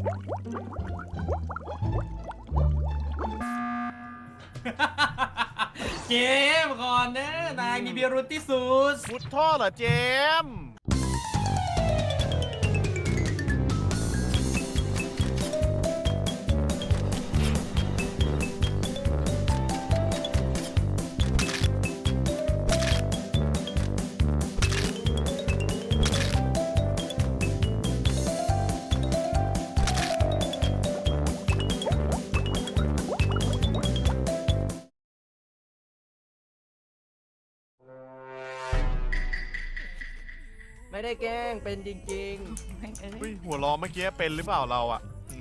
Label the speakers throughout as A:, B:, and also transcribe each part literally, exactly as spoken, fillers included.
A: เจมก่อนนะนายมีเบียรุตที่สุด
B: มุดท่อเหรอเจม
C: ไม่ได้แกล้งเป็นจริงๆ
B: เฮ้ยหัวล้อเมื่อกี้เป็นหรือเปล่าเราอะ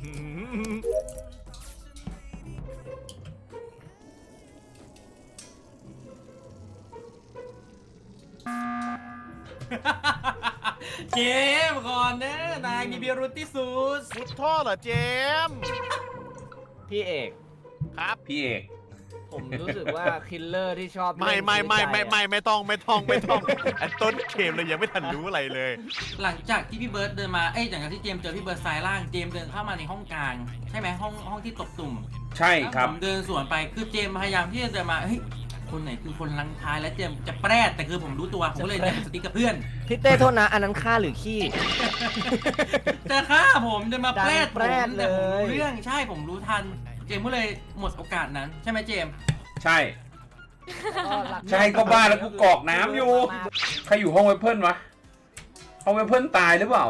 A: เจมก่อนนะนายมีเบียรุตที่สุด
B: มุดท่อเหรอเจม
C: พี่เอก
B: ครับพี่เอก
C: ผมรู้สึกว่าคิลเลอร์ที่ชอบ
B: ไม่ไม่ไม่ไม่ไม่ไม่ต้องไม่ต้องไม่ต้องอันต้นเกมเลยยังไม่ทันรู้อะไรเลย
A: หลังจากที่พี่เบิร์ดเดินมาเอ้ยหลังจากที่เจมเจอพี่เบิร์ดซ้ายล่างเจมเดินเข้ามาในห้องกลางใช่ไหมห้องห้องที่ตบตุ่ม
D: ใช่ครับ
A: ผมเดินสวนไปคือเจมพยายามที่จะเดินมาเฮ้ยคนไหนคือคนลังท้ายและเจมจะแปรดแต่คือผมรู้ตัวผมก็เลยเดินสติ๊กกับเพื่อน
C: พี่เต้โทษนะอันนั้นฆ่าหรือขี้
A: จะฆ่าผมจะมาแปรด
C: ดันแปรด
A: ผมแต่ผม
C: เลย
A: รู้เรื่องใช่ผมรู้ทัน เจมก็เลยหมดโอกาสนั้นใช่ไหมเจม
D: ใช่ ใช่ก็บ้าแล้วกูกรอกน้ำอยู่ ใครอยู่ห้องเวเพิลวะห้องเวเพิลตายหรือเปล่า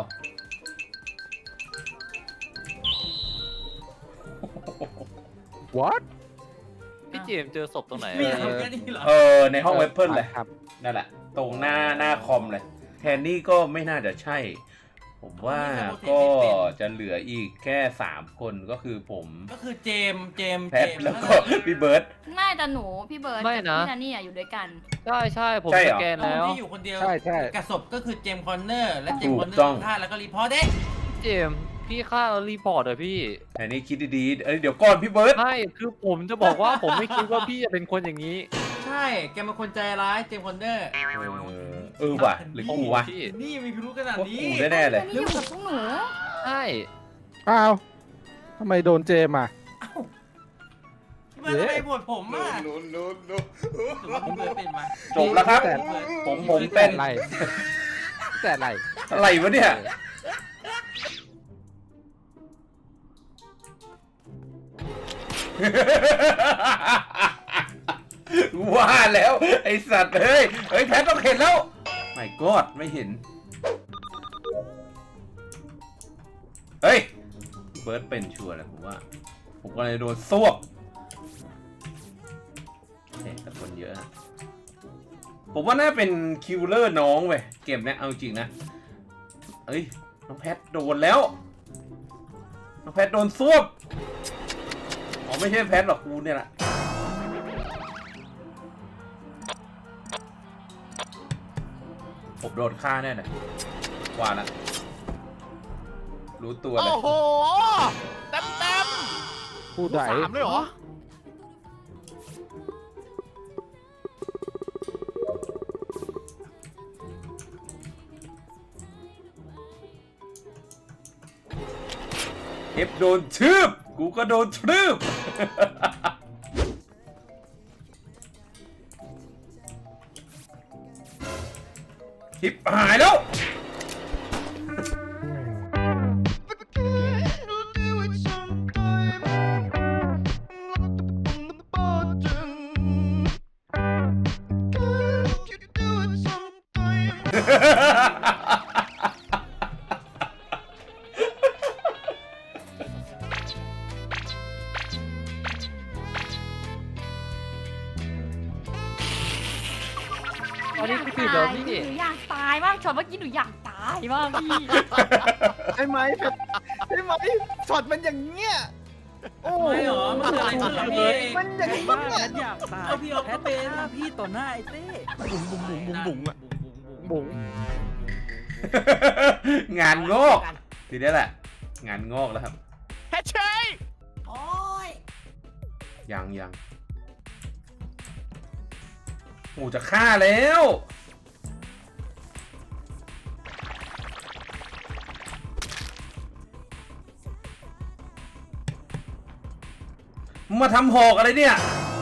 E: What พี่เจมส์เจอศพตรงไหน
A: มี
E: อะ
A: ทำแค่นี้เหรอ
D: เออในห้องเวเพิลเลย
E: ครับ
D: นั่นแหละ ตรงหน้าหน้าคอมเลย แทนนี่ก็ไม่น่าจะใช่ ผมว่าก็จะเหลืออีกแค่สามคนก็คือผม
A: ก็คือเจมเจม
D: แพท
A: เจม
D: แล้วก็พี่เบิร์ต
F: ไม่แต่หนูพี่เบิร์ด
E: ไม่
F: กับ
E: นะ
F: พี่นันนี่อะอยู่ด้วยกัน
E: ใช่ใช่ผม
D: ใช่เหร
E: ส
D: อ
E: แกน
A: แล้
E: แล้ว ว
A: ที่อยู่คนเดียว
E: ใช่ใช่
A: กับศพก็คือเจมคอนเนอร์และเจม
D: ถู
A: ค
D: ก
A: อนเนอร์
D: ต้อง
A: ฆ่าแล้วก็รีพอร์ตเด้
E: เจมส์พี่ฆ่าแล้วรีพอร์ตเหรอพี่
D: แทนนี่คิดดีๆเอ้ยเดี๋ยวก่อนพี่เบิร์ต
E: ใช่คือผมจะบอกว่าผมไม่คิดว่าพี่จะเป็นคนอย่างนี้
A: ใช่แกเป็นคนใจร้ายเจมคอนเนอร์
D: เออเออว่ะหรือกูวะ
E: พี่
A: นี่มีพิรุธขนาด
D: ว่า
A: นี้
D: กูแน่ๆเลย
F: อันนี้อยู่กับพวกหนู
E: ใช่
G: อ้าวทำไมโดนเจมอ่ะ
A: พี่เบิร์ดทำไมบวชผมอ่ะหรือว่าพี่เบิร์ดเป็นมา
D: จบแล้วครับ
G: แต่
D: ผมผมเป็น
G: อะไรแต่อะไร
D: อะไรวะเนี่ย ว่าแล้ว ไอสัตว์เฮ้ย เฮ้ยแพทต้องเห็นแล้ว ไม่กอดไม่เห็น เฮ้ย เบิร์ดเป็นชัวร์แหละผมว่า ผมก็เลยโดนซวบเฮ้ยแต่คนเยอะนะผมว่าน่าเป็นคิวเลอร์น้องเว้ยเกมเนี้ยเอาจริงนะเอ้ย น้องแพทโดนแล้ว น้องแพทโดนซวบอ๋อไม่ใช่แพทหรอกกูเนี่ยแหละผมโดนฆ่าแน่เลยว่าละรู้ตัวเล
B: โอ้
D: ย
B: โหเต็มเต็ม
G: ผู้ใด
B: สามเลยเหรอ
D: เอฟโดนทืบกูก็โดนทืบ ทิปหายแล้ว
E: อันนี้คือผิดเหรอพี่
F: หนูอยากตายมากช็อตเมื่อกี้หนูอยากตายมากพี่
G: ใช่ไหมใช่ไหมช็อตมันอย่างเงี้ยโอ้
A: ไม่หรอมันเกิดอะไรขึ้นเหรอพี่
G: มันอย่างนี้
H: ว่า
G: เนี่ย
H: ฉันอยากตาย
A: เอาพี่ออฟ
H: แพ
A: ก็
H: ท
A: เป็น
H: ฆ่าพี่ต่อหน้าไอ้เต้
B: บุ๋งบุ๋งบุ๋งบุ๋งบุ๋งอะ
G: บุ๋ง
D: งานงอกทีนี้แหละ งานงอกแล้วครับ
B: แพทเชย
A: โอ้ย
D: ยังยังโอ้จะฆ่าแล้ว
A: พ
D: มึงมาทำหอกอะไรเนี่ย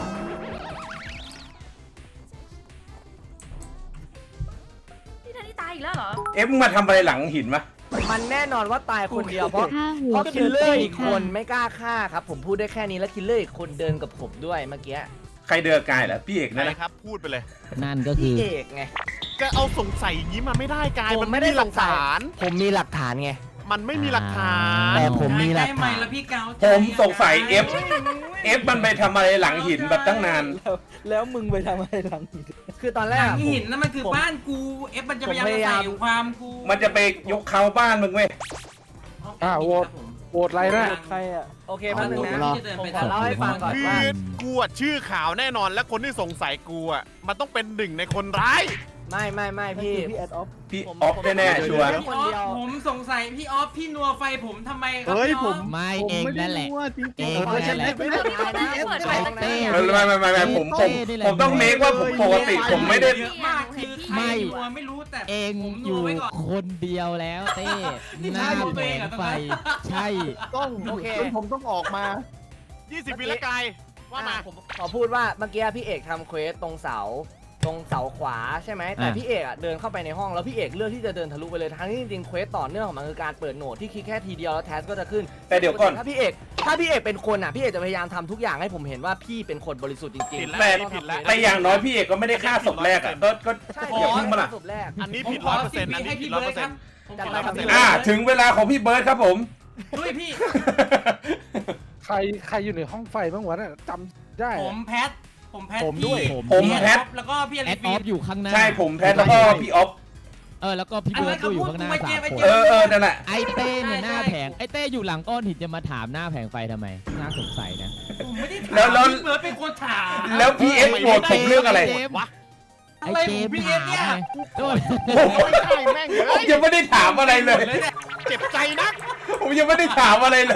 F: พี่ทันนี่ตายอีกแล้วเหรอ
D: เอฟมึงมาทำอะไรหลังหินมะ
C: มันแน่นอนว่าตายคนเดียวเพราะ
H: ฆ่าหั
C: เพ
H: ว
C: ราะ
H: กระ
C: คิลเลอ
H: เต
C: ร์อีก
H: ะ
C: คน
H: ค่ะ
C: ไม่กล้าฆ่าครับผมพูดได้แค่นี้แล้วคิลเลอร์อีกคนเดินกับผมด้วยเมื่อกี้
D: ใครเดินกายเหรอพี่เอก
B: ไห
D: นะ
B: น
D: นะครับ
B: พูดไปเลย
H: นั่นก็คื
C: พี่
H: อ
C: เอกไง
B: ก็เอาสงสัยอย่างนี้มาไม่ได้กาย
C: ผม
B: มัน
C: ไม่
B: ไม่
C: ได้
B: มีหลัก
C: สงสัย
B: ฐาน
C: ผมมีหลักฐานไง
B: มันไม่มีหลักฐาน
H: แต่ผมมีหลัก
A: ใกล้ไหม
H: ฐาน
A: แล้วพี่เกา
D: ผมสงสัยเอฟเอฟมันไปทำอะไรหลังหินแบบตั้งนาน
C: แล้วมึงไปทำอะไรหลังหินคือตอนแร
A: ห
C: ก
A: ลัง
C: อะ
A: หินนั่นมันคือ
C: ผม
A: บ้านกูเอฟมันจะพยายาม
C: ผมพ
A: จะ
C: ยายา
A: ใส่
C: ม
A: ความกู
D: มันจะไปยกเขาบ้านมึงเว้ย
G: อ่าโหวต โหวตอะไรนะ
C: ใครอ่ะโอเคแป๊บนึงนะ
A: เอาที่จะเดิน
C: ผม
A: ไป
C: ขอเล่าให้ฟังก่อน
B: คือ
C: ว่า
B: กูอะชื่อขาวแน่นอนและคนที่สงสัยกูอะมันต้องเป็นหนึ่งในคนร้าย
C: ไม่ไม่ไม่พี่พี่แอดออฟ
D: พี่ออฟแน่ๆชัวร์
A: พี่ออฟผมสงสัยพี่ออฟพี่นัวไฟผมทำไมครั
G: เฮ้ย
A: พี่ออฟ
G: ผม
H: ไม่
G: ผม
H: เอง
G: ไม่ได้
H: นั่นแหละ
G: รู้ว่าจริงๆ
H: เอง
G: เออ
H: นั่นแหละ
G: ไม่ได้ไม่ได้ไม่ได้
F: เปิดไฟตั้งแต่
D: เออไม่ไม่ไม่ไม่ผมผมผมต้องเมคว่าผมปกติผมไม่ได้
A: เยอะมากคือใคร
H: ไม่
A: นัวไม่รู้แต่
H: เอง
A: ผม
H: อ
A: นัว
H: ยู่
A: ไว้ก่อน
H: คนเดียวแล้วเต้
A: นี่
H: หน้า
A: ใช่
H: แผงไฟ ใช่
G: ต้อง
C: โอเค
G: จนผมต้องออกมา
B: ยี่สิบวิละกายว่ามา
C: อ่ะผมขอพูดว่าเมื่อกี้พี่เอกทำเควสตรงเสาตรงเสาขวาใช่ไหมแต่
H: อ่ะ
C: พี่เอกอ่ะเดินเข้าไปในห้องแล้วพี่เอกเลือกที่จะเดินทะลุไปเลยทั้งที่จริงๆเควสต่อเนื่องของมันคือการเปิดโหนดที่คลิกแค่ทีเดียวแล้วแทสก็จะขึ้น
D: แต่เดี๋ยวก่อน
C: ถ้าพี่เอกถ้าพี่เอกเป็นคนอ่ะพี่เอกจะพยายามทำทุกอย่างให้ผมเห็นว่าพี่เป็นคนบริสุทธิ์จริง
B: ผิด
C: ๆ
B: แล้ว
D: แต่
B: ผิดแล้ว
D: แต่อย่างน้อยพี่เอกก็ไม่ได้ฆ่าศพแรกอ่ะก็ก็
C: ใช่
D: อย่าเพิ่งมาล่ะ
C: ศพแรก
B: อันนี้
A: ผม
B: ผิด
A: ข
B: ร้
A: อ
B: อยเปอร์
A: สิ
B: เซ็
A: บ
B: นต์
A: วิ
B: อันนี้
A: ให้
B: ผิ
A: พี่
B: ดร้อย
A: เบิ
B: เปอ
A: ร์ด
B: ร์
A: ค
B: เซ็
A: รั
B: น
A: บ
B: ต์
A: ผม
C: จัด
A: ขอ
C: ไปครับ
A: สิบวิ
D: อ่าถึงเวลาของพี่เบิร์ดครับผม
A: ด้วยพี่
G: ใครใครอยู่ในห้องไฟบ้างวะน่ะจำได้
A: ผมแพท ผมแพท
G: ผมด้วย
A: พี่
D: ผม
A: พี่
D: แพท
A: ออฟแล้วก็พี่อ
H: แอ
A: ลิ
H: ดอ
A: ฟี
H: อฟอยู่ข้างหน้า
D: ใช่ผมแพทแล้วก็พี่ออฟ
H: เออแล้วก็พี่เบิร์ดก็อยู่ข้างหน้าสามคน
D: เออเออนั่นแหละ
H: ไอเต้เนี่ยหน้าแผงไอเต้อยู่หลังก้อนหินจะมาถามหน้าแผงไฟทำไมน่าสงสัยนะ
A: ผมไม่ได้ถาม
D: แล้วแล้ว
A: พี่เบิร์ดเป็นคนถาม
D: แล้วพี่เอฟโหวตผมเรื่องอะไร
H: เจมส์
B: วะ
H: ไอ
A: อะไร
H: เจ
A: ผม
H: มส์
A: พี่เอ
H: ถา
A: ฟ
H: ม
A: เนี่ย
H: ไงโดน
D: ผม
B: ไม่ใช่แม่ง
D: ผ
B: เฮ้
D: ม
B: ย
D: ยังไม่ได้ถามอะไรเลย
B: เจ็บใจนัก
D: ผมยังไม่ได้ถามอะไรเลย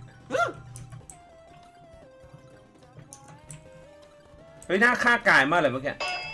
D: เฮ้ยหน้าฆ่ากายมากเลยเมื่อกี้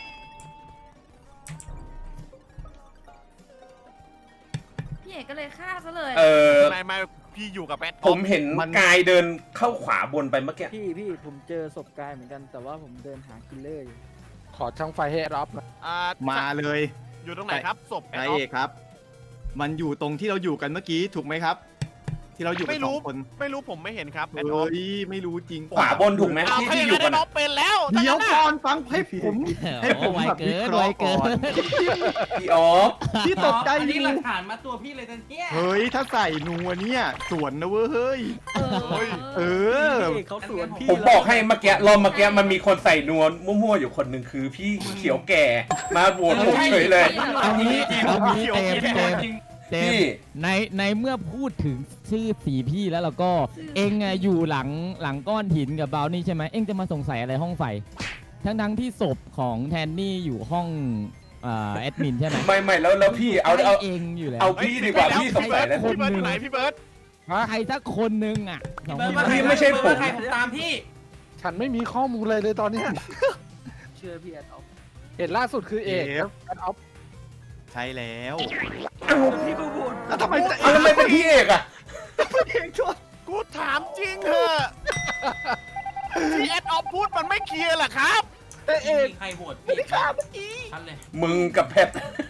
F: พี่เอกก็เลยฆ่าซะเลย
D: เออ
B: ไม่ไม่พี่อยู่กับแอด
D: ผมเห็น
G: มัน
D: กายเดินเข้าขวาบนไปเมื่อกี้
I: พี่พี่ผมเจอศพกายเหมือนกันแต่ว่าผมเดินหาคิลเลอร์อยู่
G: ขอช่างไฟให้รับนะ
B: อ่า
J: มาเลย
B: อยู่ตรงไหนครับศพแอด
J: นาย
B: ออ
J: เอกครับ มันอยู่ตรงที่เราอยู่กันเมื่อกี้ถูกไหมครับ ที่เราอยู่กั
B: ไม่
J: นสอ
B: รู้
J: งคน
B: ไม่รู้ผมไม่เห็นครับแอ
J: เฮ้
B: ดออฟ
J: ยไม่รู้จริง
D: ขวาบนถูกไหม
B: อ้าว
D: ที่
B: ถ้าอ
D: ที่
B: ย่าง
D: อยู่
B: นั้น
D: กั
B: ไอ้
D: น
B: น้อ
D: อะ
B: งเป็นแล้ว
J: เดี๋ยว
B: ถ้า
J: ก่
B: งั้
J: อน นฟังให้ผม ให้ผม
H: ไว
J: แบบ
H: เกิ
J: วิ
H: น
J: เค
H: ไว
J: ราะห์
H: เกิ
J: ก่อน
H: น
D: พี่ออฟ
J: พี่ตกใจ
A: อัน
J: อ
A: นี้
J: ยู่
A: หลักฐานมาตัวพี่เลยนะเนี่ย
J: เฮ้ยถ้าใส่นัวเนี่ยสวนนะเว้ยเฮ้ย
F: เออ
B: เฮ้ย
J: เออ
C: เขาสวนพี่
D: ผมบอกให้เมื่อกี้รอบเมื่อกี้มันมีคนใส่นวลมั่วๆอยู่คนหนึ่งคือพี่เขียวแก่มาโหวตผมเฉยเลย
H: เอางี้เอางี้เต็มเต็ม
A: จริง
H: เต็ม
D: พี่
H: ในในเมื่อพูดถึงชื่อสีพี่แล้วเราก็เองอะอยู่หลังหลังก้อนหินกับบราวนี่ใช่ไหมเองจะมาสงสัยอะไรห้องไฟ ทั้งทั้งๆที่ศพของแทนนี่อยู่ห้องเอ่อแอดมินใช่ไหม
D: ไม่ไม่แล้วแล้วพี่เอาเอา
H: ใช่เองอยู่แล้ว
D: เอาพี่ดีกว่าพี่สงสัยแล้ว
B: พี่เบิร์ดอยู่ไหนพี่เบิร์ด
H: ใครสักคนนึงอ่ะสอง
A: เบิร์ด
H: คน
A: ว่าใคร
D: พี่ไม่ใช่ผม
A: เบิร์ดว่าใครผมตามพี่
G: ฉันไม่มีข้อมูลเลยเลยตอนเนี้ย
I: เชื่อพี่แอดออฟ
G: เห็นล่าสุดคือเอก
J: เอฟ
G: แอดออฟ
J: ใช่แล้ว
I: พี่ก็โหวต
J: แล้วทำไมจะ
D: เอาแล้วไม่เป็นพี่เอกอะ
J: เองชด
B: กูถามจริงเถอะที่แอดออฟพูดมันไม่เคลียร์เหรอครับ
G: เอะเอก
A: มีใครโหวตพี่ฆ่าเมื่อกี้ชัดเลย
D: มึงกับแพท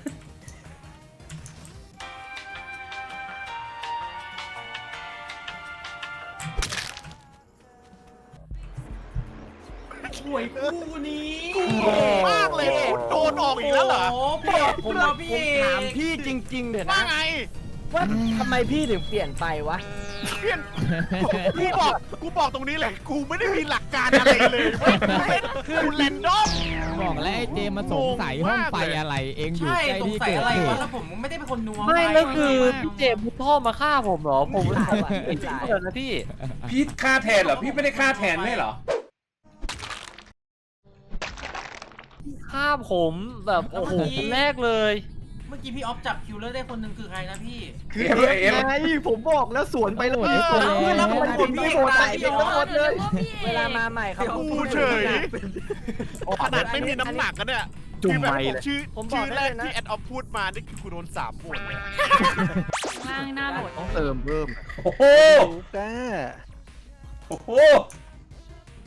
A: ห่วยคู่นี้
B: โกรธมากเลยคุณโดนออกอีกแล้วเหรอ
A: โอ้โหพี่ผมเอาพี่
C: ผม
A: เอก
C: ถามพี่จริงๆเถอะ
B: ว่า
C: นะ
B: ไง
C: ว่าทำไมพี่ถึงเปลี่ยนไปวะ
B: เพื่อนกูบอกกูบอกตรงนี้เลยกูไม่ได้มีหลักการอะไรเลยเว้ยกูเป็นกูแรนดอม
H: บอกแล้วไอ้เจมมาสงสัยห้องไฟอะไรเองอยู่
A: ใช่
H: ใกล้
A: สง
H: ที่
A: สัย
H: เกิด
A: อะไร
H: เห
A: วะ
H: ตุ
A: แล้วผมไม่ได้เป็นคนนัว
E: ไม่แล้วคือ
A: ไ
E: พี่เจมส์มุดท่อมาฆ่าผมเหรอ ผม
C: ไม่ได้ว่ะ
E: ไม่จริงเลยนะพี่
D: พี่ฆ่าแทนเหรอพี่ไม่ได้ฆ่าแทนไม่เหรอ
E: ฆ่าผมแบบโอ้โหคนแรกเลย
A: เมื่อกี้พี่ออฟจับคิวเลอร์ได้คนหนึ่งคือใครนะพี่
J: คือ
D: เอฟ
J: เอ
D: เอฟ
J: ฟไงผมบอกแล้วสวนไปแล้ว
H: โหวตให้คน
J: เพื่อนแล้วทำไม
H: แล้ว
J: คุณไม่โหวตใส่เองทั้งหมดเลย
C: เวลามาใหม่เขา
B: กูเฉยขนาดไม่มีน้ำหนักกันเนี่ย
G: จุ่ม
B: คือแบบ
G: ไม
B: ผม
G: เลย
B: ชื่อ
C: ผมบอก
B: ชื่อแรก
C: ได้เลยนะ
B: ที่แอดออฟพูดมานี่คือกูโดนสามโหวตเลย
F: ล่างหน้าโหลด
G: ต้องเติมเพิ่ม
D: โอ้โห
G: รู้แก้
D: โอ้โห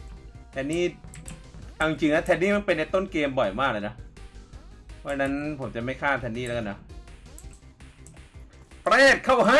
D: แต่นี่เอาจริงๆนะแทนนี่มันเป็นในต้นเกมบ่อยมากเลยนะเพราะฉะนั้นผมจะไม่ฆ่าแทนนี่แล้วกันนะเปรตเข้าให้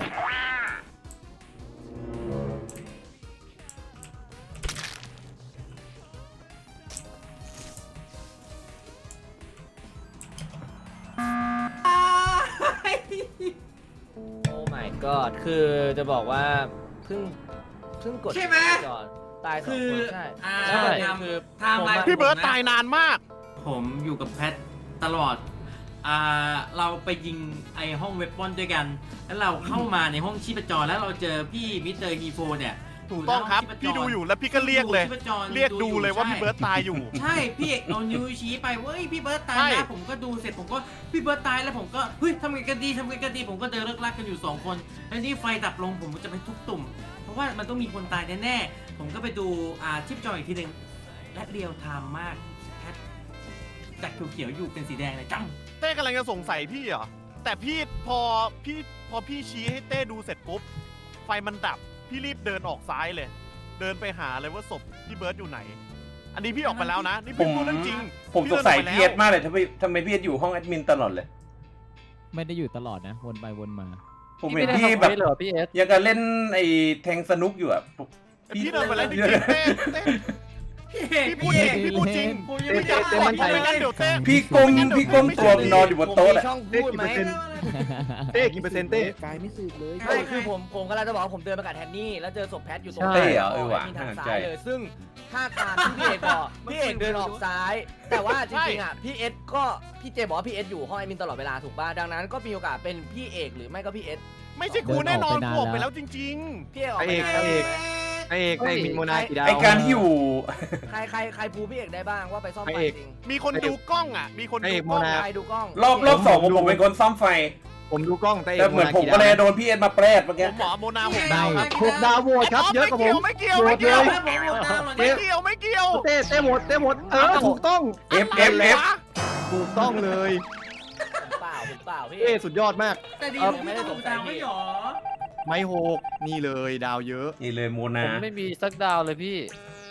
C: โอ้ my god คือจะบอกว่าเพิ่งเพิ่งกด
A: ใช่ไหม
C: จอดตายสอง
A: คือ
C: คนใช่
A: อ่า
C: ใช่
A: ทำ
C: คือ
A: ทำ
C: ผม
A: มา
C: อะ
B: พี่เบิร์ตตายนานมาก
A: ผมอยู่กับแพทตลอดอ่าเราไปยิงไอห้องเวปอนด้วยกัน แล้วเราเข้ามาในห้องชีพจรแล้วเราเจอพี่มิสเตอร์ฮีโฟเนี่ย
B: ถูกต้องครับ
A: ในห้
B: พี่
A: ชีพจ
B: ดูอยู่แล้วพี่ก็เรียกเลย
A: ชีพจ
B: เรียกดูเลยว่าพี่เบิร์ตตายอยู่
A: ใช่พี่เอกเอานิ้วชี้ไปเว้ยพี่เบิร์ตตาย
B: ใช่
A: นะผมก็ดูเสร็จผมก็พี่เบิร์ตตายแล้วผมก็เฮ้ยทำไงกันดีทำไงกันดีผมก็เดินเลิกลักกันอยู่สองคนแล้วนี่ไฟดับลงผมก็จะไปทุบตุ่ม เพราะว่ามันต้องมีคนตายแน่ๆผมก็ไปดูอ่าชิปจออีกทีหนึ่งและเรียลไทม์มากแพทจากเขียวๆอยู่เป็นสีแดงเลยจัง
B: เต้กำลังจะสงสัยพี่เหรอ แต่พี่พอพี่พอพี่ชี้ให้เต้ดูเสร็จปุ๊บ ไฟมันดับ พี่รีบเดินออกซ้ายเลย เดินไปหาเลยว่าศพพี่เบิร์ดอยู่ไหน อันนี้พี่ออกมาแล้วนะ นี่
D: ผ
B: พี่
D: ม
B: พูดเรื่องจริง
D: ผมสงสัยพีเอสมากเลยทำไมทำไมพีเอสอยู่ห้องแอดมินตลอดเลย
H: ไม่ได้อยู่ตลอดนะ วนไปวนมา
D: ผม
E: พี่
D: เห็น
E: ไม่ได้
D: พี่
E: ทำ
D: แบบ
E: ไว้เหรอพี่เอส
D: ยังกับเล่นไอ้แทงสนุกอยู่อะ
B: พี่เดินไปแล้วจริงๆเต้เต้ พี่พูดจริงพี่พูดจริง
A: ผมยังไม่ได้
G: เต้มั่นใจ
B: ไม่งั้นเดี๋ยวเต้
D: พี่ก้มพี่ก้มตัวนอนอยู่บนโต๊ะ
C: ผมมี
D: อะ
C: ช่อง
G: เต้
C: พูด
G: กี่
C: ไหม
G: เปอร์เซ็นต์เต้กี่เปอร์เซ็นต์เต้
I: กายไม่สืบเลย
C: ใช่คือผมผมกำลังจะบอกว่าผมเดินไปกับแทนนี่แล้วเจอศพแพทอยู่ตรง
D: เต้เหรอเออว่ะ
C: มีทาง
D: น่าสน
C: ซ้า
D: ใจ
C: ยเลยซึ่งถ้าตามที่พี่เอกบอกพี่เอกเดินออกซ้าย แต่ว่าจริงๆอ่ะพี่เอสก็พี่เจบอกว่าพี่เอสอยู่ห้องแอดมินตลอดเวลาถูกป่ะดังนั้นก็มีโอกาสเป็นพี่เอกหรือไม่ก็พี่เอส
B: ไม่ใช่กูแน่นอน
H: เดิน
B: กู
H: อ
B: อ
H: อ
B: อก ก
H: ไป
B: ไป
H: แล้
B: แล้ว วจริง
C: พี่เอกออกไป
G: พระเอก
C: ไหน
G: พระเอก ไอเอกไอมินโมนากี่ดาว
D: ไอการที่อยู่
C: ใครใครใครพูพี่เอกได้บ้างว่าไปซ่อม
G: พระ
C: ไฟ
G: เอก
C: จริง
B: ๆ มีคนดูกล้องอ่ะ มีคน
G: พระ
B: ดู
G: เอก
B: กล้อง
G: โมนา
C: ใครดูกล้อง
D: รอบรอบสองผมผมเป็นคนซ่อมไฟ
G: ผมดูกล้องแต่เอ
D: แต่
G: ก
D: เหมือนผม
G: กี่
D: ก็
G: ดาว
D: เลยโดนพี่เอ็ดมาแปรดเมื่อ
B: ผ
D: กี้
B: มหมอโมนาหกดาวครับ
G: หกดาวโหวตครับเยอะกว่าผม
B: ไม่เกี่ยวไม่เกี่ยว
G: โหว
B: ไม่
G: ต
B: เกี่
G: เลย
B: วย
A: ผมหมดดาวหมด
B: ไม่เกี่ยวไม่เกี่ยว
G: เต้เต้หมดเต้หมดเออถูกต้อง
D: เอฟเอฟเอฟ
G: ถูกต้องเลย
C: ผมเปล่าผมเปล่าพี่
G: เต้สุดยอดมาก
A: แต่ดีผมไม่ได้ถูกดาวไม่หรอ
G: ไม่หกนี่เลยดาวเยอะ
D: นี่เลยโม
E: ผ
D: นา
E: มไม่มีสักดาวเลยพี่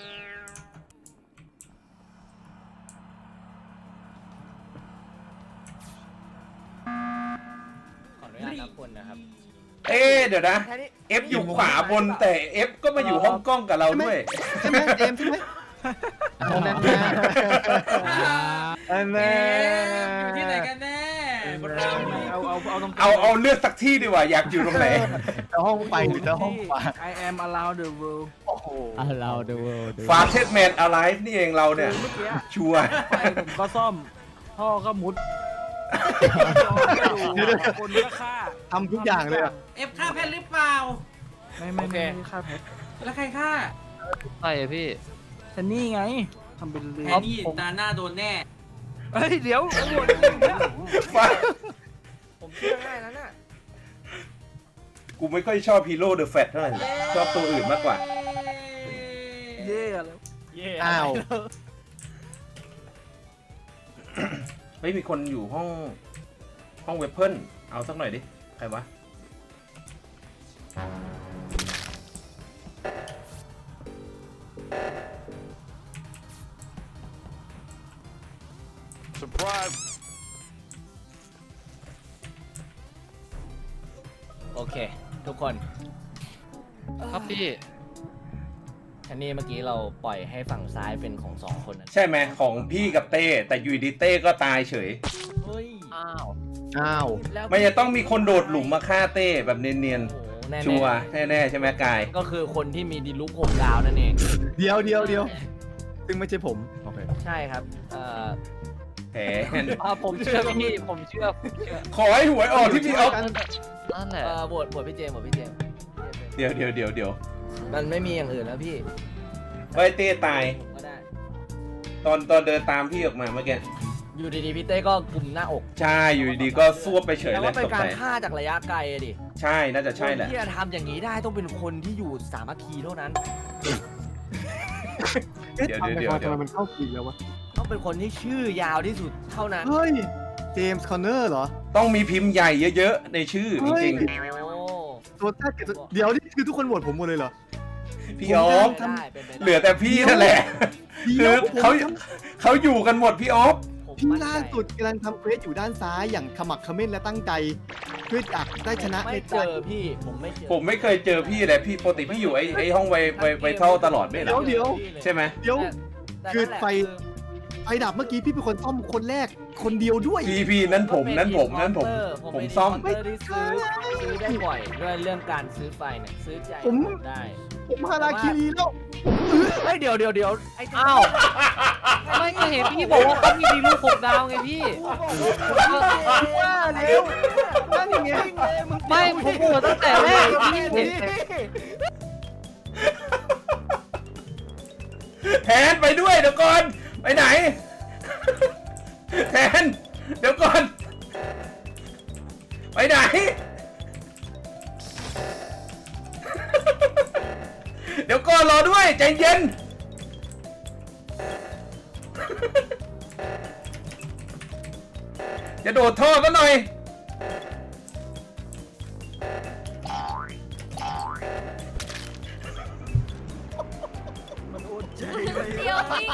C: ขออนุญาตนับคนนะครับ
D: เอ๊ะเดี๋ยวนะ
C: แค่นี้
D: เอฟอยู่ขวาบนแต่เอฟก็มาอยู่ห้องกล้องกับเราด้วย
G: ใช่ไหมเจมส์ใช่ไหม
H: เอาแน่
G: อัน
A: เอ๊
G: นี้
A: ะอยู่ที่ไหนกันแน่
I: เอาเอาเอาตรง
D: เอาเอาเลือกสักที่ดีกว่าอยากอยู่ตรงไหน
G: จะห้องไฟหรือจะห้องขวา
I: ไอแอม allow the world
G: โอ้โห
H: อ่ะเราดูดู
D: ฟาเทสแมนอะไรนี่เองเราเนี่ย
I: เมื่อกี้
D: ชัวร์
I: ไฟผมก็ซ่อม พ่อก็มุดคนก็ฆ่า
G: ทำทุกอย่างเลยอะ
A: เอฟฆ่าแพทหรือเปล่า
I: ไม่ไม่ไม่ไม่ฆ่าแพท
A: แล้วใครฆ่า
E: ใช่อะพี่
I: แต่นี่ไงทำเป็นเลื
A: แพ
I: อ
A: ทนี่ตาหน้าโดนแน่
I: เฮ้ยเดี๋ยวตำรวจจริงเนี่ย
D: ฟ้า
C: ผมเชื่อง่ายนั้นน่ะ
D: กูไม่ค่อยชอบฮีโร่เดอะแฟตเท่าไหร่ชอบตัวอื่นมากกว่า
I: เย่แล้ว
C: เย่
G: อ้าว
D: เฮ้ยมีคนอยู่ห้องห้องเวเพิลเอาสักหน่อยดิ ใครวะ
C: โอเค ทุกคน
E: ครับพี่
C: อันนี้เมื่อกี้เราปล่อยให้ฝั่งซ้ายเป็นของสองคนนั้น
D: ใช่ไหมของพี่กับเต้ แต่อยูดีเต้ก็ตายเฉย
C: เฮ้ย
E: อ้าว
G: อ้าว
C: แล้ว
D: มันจะต้องมีคนโดดหลุมมาฆ่าเต้แบบเนียน
C: โอ้โหแน่
D: ๆ
C: ๆ
D: ชัวร์แน่ๆใช่ไหมกาย
C: ก็คือคนที่มีดีลุกหกดาวนั่นเอง
G: เดียวเดียวเดียวซึ่งไม่ใช่ผมโอเค
C: ใช่ครับเอ่อ
D: แผน
E: อ่าผมเชื่อพี่ผมเชื่อผมเชื่อ
D: ขอให้หวยออกที่พี่เอา
E: นั่นแหละ
C: เอ่อโหวตโหวตพี่เจมส์โหวตพี่เจมส์
D: เดี๋ยวเดี๋ยวเดี๋ยวเดี๋ยว
C: มันไม่มีอย่างอื่นแล้วพี่
D: ไว้เต้ตาย
C: ผมก็ได้
D: ตอนตอนเดินตามพี่ออกมาเมื่อกี้
C: อยู่ดีๆพี่เต้ก็กลุ่มหน้าอก
D: ใช่อยู่ดีๆก็ซวบไปเฉย
C: แต่
D: เลย
C: ว่าเป็น
D: ตก
C: กา
D: ใจ
C: รฆ่าจากระยะไกลอะดิ
D: ใช่น่าจะใช่แหละ
C: คนที่จะทำอย่างนี้ได้ต้องเป็นคนที่อยู่สามัคคีเท่านั้น
G: เอ๊ะ
D: เดี๋ยว
G: ทำไม
D: เดี๋ยว
G: ทำ
D: เดี๋ยว
G: ไมมันเข้าปีกแล้ววะ
C: ต้องเป็นคนที่ชื่อยาวที่สุดเท่านั้น
G: เฮ้ยเจมส์คอนเนอร์เหรอ
D: ต้องมีพิมพ์ใหญ่เยอะๆในชื่อ
G: เฮ้
D: จ
G: ย
D: ริง
C: โอ้
G: ตัวแท้เกิดเดี๋ยวนี่คือทุกคนโหวตผมหมดเลยเหรอ
D: ๆพี่ออฟ
C: เป็นไปได้เป็นไปได้
D: เหลือแต่พี่นั่นแหละ
G: เดี๋
D: คื
G: ย
D: อ
G: วผม
D: เขาเขาอยู่กันหมดพี่ออฟ
C: ผม
G: พี่
C: มั่นใจ
G: ล่าสุดกำลังทำเควสอยู่ด้านซ้ายอย่างขมักเขม้นและตั้งใจเพื่ออยากได้ชนะ
C: ไม่
G: ใน
C: เจ
G: การ
C: อพี่ผมไม่เจอ
D: ผมไม่เคยเจอพี่เลยพี่ปกติพี่อยู่ไอ้ไอ้ห้องไวไวไวเท่าตลอดไม่เหรอ
G: เดี๋ยว
D: ใช่ไหม
G: เดี๋ยว
C: แต่
G: คือ
C: นั่นแหละ
G: ไฟ ไฟดับเมื่อกี้พี่เป็นคนซ่อมคนแรกคนเดียวด้วย
D: พี่พี่นั้นผมนั้นผมนั้นผม
C: ผม
D: ผม
C: เป็น
D: ซ่อม
C: อินพอร์เตอร์ที่ซื้อซื้อได้บ่อยด้วยเรื่องการซื้อไฟเนี่ยซื้อใจ
G: ผม
C: ได้
G: ผมฮาราคิรีแล้ว
C: เฮ้ยเดี๋ยวเดี๋ยวเดี๋ยวไอ้
E: อ้าวไม่ก็เห็นพี่บอกว่าเขามีดีลูกหกดาวไงพี่
G: ว่าแล้วนั่นยังไง
E: ไม่ผมบอกตั้งแต่แรกพี่เห็น
D: แทนไปด้วยเดี๋ยวก่อนไปไหน แทนเดี๋ยวก่อน ไปไหน เดี๋ยวก่อนรอด้วยใจเย็น จะโดดท่อซะหน่อย
F: เดียวนี่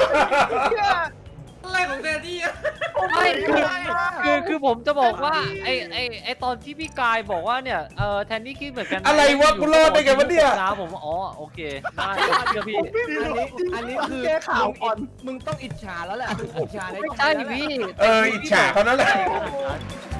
A: อะไรของแดดดี้อะ
E: ไม่คือคือคือผมจะบอกว่าไอไอไอตอนที่พี่กายบอกว่าเนี่ยเออแทนนี่คิดเหมือนกัน
D: อะไรวะกูรอดได้ไงวะเนี่ย
E: นะผมอ๋อโอเคได้ผมเชื่อพี่
C: อันนี้อันนี้คือ
G: แก้ข่าวก่อน
C: มึงต้องอิจฉาแล้วแหละมึงอิจฉาใน
E: ไม่ใช่พี่
D: เอออิจฉาเขานั่นแหละ
E: ขนาดนั้น